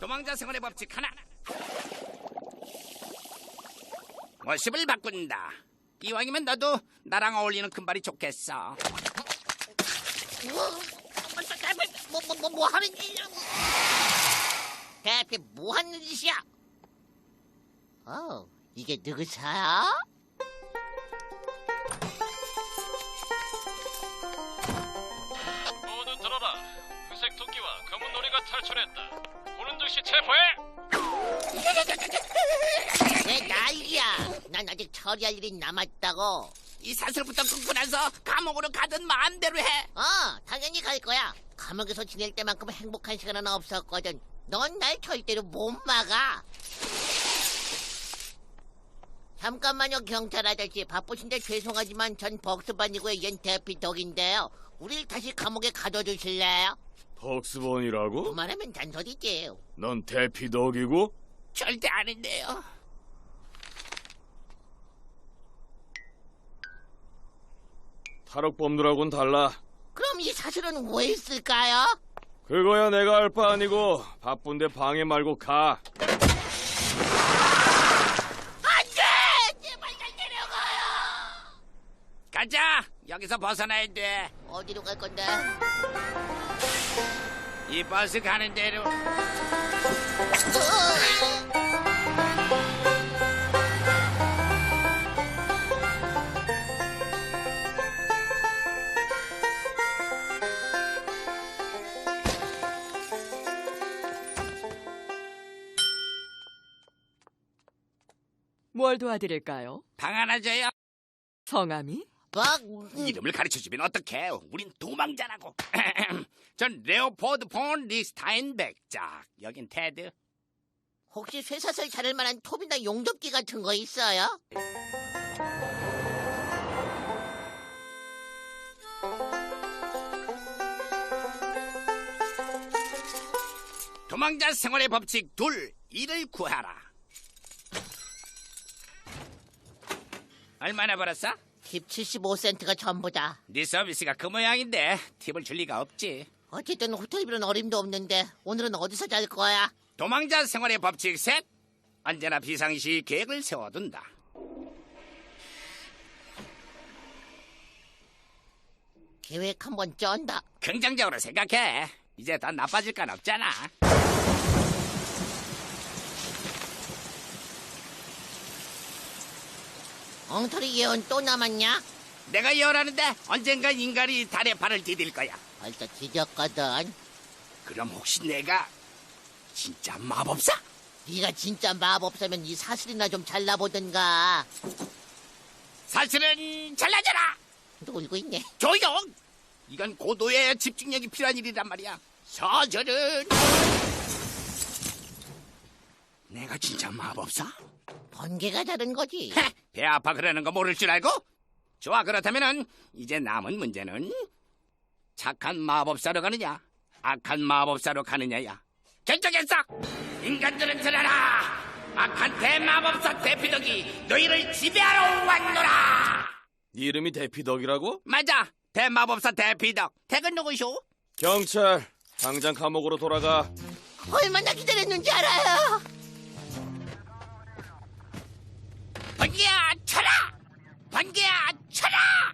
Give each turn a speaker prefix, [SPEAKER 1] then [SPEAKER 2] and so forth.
[SPEAKER 1] 도망자 생활의 법칙 하나. 모습을 바꾼다. 이왕이면 너도 나랑 어울리는 금발이 좋겠어.
[SPEAKER 2] 뭐 하는 짓이야? 대피 뭐 하는 짓이야? 이게 누구세요?
[SPEAKER 3] 모두 들어라. 회색 토끼와 검은 놀이가 탈출했다. 보는 즉시 체포해.
[SPEAKER 2] 왜 난리야? 난 아직 처리할 일이 남았다고.
[SPEAKER 1] 이 사슬부터 끊고 나서 감옥으로 가든 마음대로 해.
[SPEAKER 2] 당연히 갈 거야. 감옥에서 지낼 때만큼 행복한 시간은 없었거든. 넌 날 절대로 못 막아. 잠깐만요, 경찰 아저씨. 바쁘신데 죄송하지만 전 벅스반이고요. 얜 대피덕인데요. 우릴 다시 감옥에 가둬주실래요?
[SPEAKER 4] 벅스본이라고?
[SPEAKER 2] 그만하면 잔소리지.
[SPEAKER 4] 넌 대피덕이고?
[SPEAKER 1] 절대 아닌데요.
[SPEAKER 4] 탈옥범들하고는 달라.
[SPEAKER 2] 그럼 이 사실은 왜 있을까요?
[SPEAKER 4] 그거야 내가 알 바 아니고 바쁜데 방해 말고 가.
[SPEAKER 2] 안돼! 제발 날 데려가요!
[SPEAKER 1] 가자. 여기서 벗어나야 돼.
[SPEAKER 2] 어디로 갈 건데?
[SPEAKER 1] 이 버스 가는 대로.
[SPEAKER 5] 뭘 도와드릴까요?
[SPEAKER 1] 방 하나 줘요.
[SPEAKER 5] 성함이?
[SPEAKER 1] 이름을 가르쳐주면 어떡해. 우린 도망자라고. 전 레오포드 폰 리스타인백. 자, 여긴 테드.
[SPEAKER 2] 혹시 쇠사슬 자를 만한 톱이나 용접기 같은 거 있어요?
[SPEAKER 1] 도망자 생활의 법칙 둘. 일을 구하라. 얼마나 벌었어?
[SPEAKER 2] 팁 75센트가 전부다.
[SPEAKER 1] 네 서비스가 그 모양인데 팁을 줄 리가 없지.
[SPEAKER 2] 어쨌든 호텔비는 어림도 없는데 오늘은 어디서 잘 거야?
[SPEAKER 1] 도망자 생활의 법칙 셋. 언제나 비상시 계획을 세워둔다.
[SPEAKER 2] 계획 한번 쩐다.
[SPEAKER 1] 긍정적으로 생각해. 이제 더 나빠질 건 없잖아.
[SPEAKER 2] 엉터리 예언 또 남았냐?
[SPEAKER 1] 내가 예언하는데 언젠가 인간이 달에 발을 디딜 거야.
[SPEAKER 2] 벌써 뒤졌거든.
[SPEAKER 1] 그럼 혹시 내가 진짜 마법사?
[SPEAKER 2] 네가 진짜 마법사면 이 사슬이나 좀 잘라보든가.
[SPEAKER 1] 사실은 잘나잖아.
[SPEAKER 2] 놀고 있네.
[SPEAKER 1] 조용! 이건 고도의 집중력이 필요한 일이란 말이야. 사실은 내가 진짜 마법사?
[SPEAKER 2] 번개가 다른 거지.
[SPEAKER 1] 헤, 배 아파 그러는 거 모를 줄 알고? 좋아, 그렇다면은 이제 남은 문제는 착한 마법사로 가느냐 악한 마법사로 가느냐야. 결정했어. 인간들은 들어라. 악한 대마법사 대피덕이 너희를 지배하러 왔노라.
[SPEAKER 4] 네 이름이 대피덕이라고?
[SPEAKER 1] 맞아, 대마법사 대피덕. 댁은 누구쇼?
[SPEAKER 4] 경찰, 당장 감옥으로 돌아가.
[SPEAKER 2] 얼마나 기다렸는지 알아요?
[SPEAKER 1] 번개야 쳐라! 번개야 쳐라!